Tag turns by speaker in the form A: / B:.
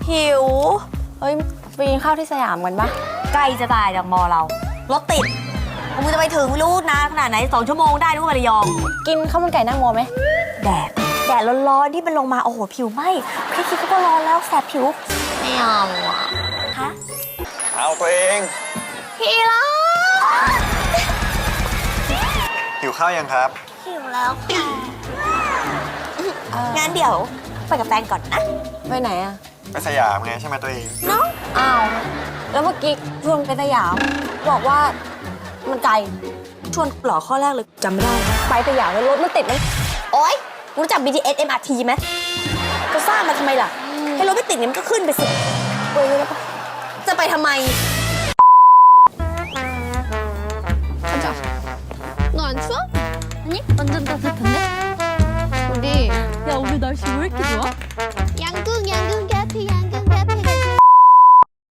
A: หิวเฮ้ยไปกินข้าวที่สยามกันปะใกล้จะตายจากมอเรารถติดมึงจะไปถึงไม่รู้นานขนาดไหน2 ชั่วโมงได้รู้ไประยองกินข้าวมันไก่หน้ามอไหมแดดร้อนๆที่มันลงมาโอ้โหผิวไหม้แค่คิดก็ร้อนแล้วแสบผิวไม่เอาอ่ะฮะ
B: เอาตัวเอง
A: พี่ล่ะ
B: หิวข้าวยังครับ
A: หิวแล้วค่ะงั้นเดี๋ยวไปกับแฟนก่อนนะไปไหนอะ
B: ไปสยามไงใช่ไหมตัวเอง
A: เนาะอ้าวแล้วเมื่อกี้ชวนไปสยามบอกว่ามันไกลชวนหล่อข้อแรกเลยจำไม่ได้ไปสยามแล้วรถมันติดไหมโอ๊ยรู้จัก BTS MRT ไหมจะสร้างมาทำไมล่ะให้รถไม่ติดเนี่ยมันก็ขึ้นไปสิไปเลยปะจะไปทำไม
C: 너 안 추워? 아니 완전 따뜻한데? 우리 야 오늘 날씨 왜 이렇게 좋아? 양궁